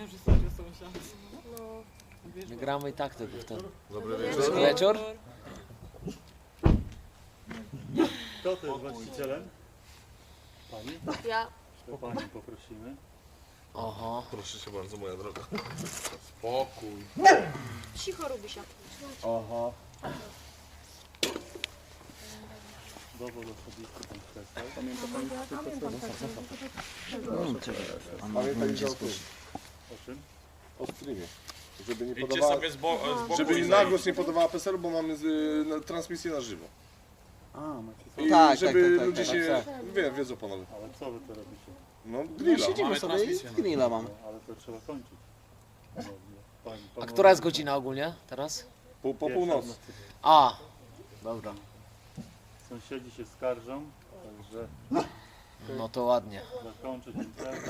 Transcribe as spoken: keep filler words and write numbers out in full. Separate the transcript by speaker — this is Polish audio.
Speaker 1: Ja, że serio sąsiad.
Speaker 2: No.
Speaker 3: My gramy i tak tego w ten.
Speaker 4: Dobry
Speaker 3: Wieczór.
Speaker 4: wieczór.
Speaker 3: Wieczór?
Speaker 5: Kto to jest właścicielem? Pani?
Speaker 2: Ja.
Speaker 5: To Panią poprosimy.
Speaker 3: Oho.
Speaker 4: Proszę się bardzo, moja droga. Spokój.
Speaker 2: Cicho robi się.
Speaker 4: Aha.
Speaker 5: Dowód osobisty pan przestał. Pamięta Pani
Speaker 4: Pamiętaj o tym,
Speaker 5: o czym?
Speaker 4: o streamie. Żeby nie
Speaker 6: Idźcie
Speaker 4: podawała,
Speaker 6: sobie z, bo z boku
Speaker 4: żeby
Speaker 6: i
Speaker 4: na
Speaker 6: zejdź.
Speaker 4: głos nie podawała P E S L, bo mamy z, y, na, transmisję na żywo.
Speaker 5: A, macie co?
Speaker 4: I
Speaker 3: Tak,
Speaker 4: żeby
Speaker 3: tak, tak,
Speaker 4: ludzie
Speaker 3: tak,
Speaker 4: się,
Speaker 3: tak.
Speaker 4: wie, wiedzą panowie.
Speaker 5: Ale co wy to robicie?
Speaker 4: No,
Speaker 3: No,
Speaker 4: grilla.
Speaker 3: siedzimy
Speaker 6: Mamy
Speaker 3: sobie
Speaker 6: transmisję,
Speaker 3: i
Speaker 6: no.
Speaker 3: grilla mam.
Speaker 5: No, ale to trzeba kończyć. No, pani,
Speaker 3: A
Speaker 5: panowie-
Speaker 3: która jest godzina ogólnie teraz?
Speaker 4: Po, po
Speaker 5: Pierwsza
Speaker 4: północy.
Speaker 5: w nocy.
Speaker 3: A. Dobra.
Speaker 5: Sąsiedzi się skarżą, także
Speaker 3: No to ładnie.
Speaker 5: zakończyć imprezę.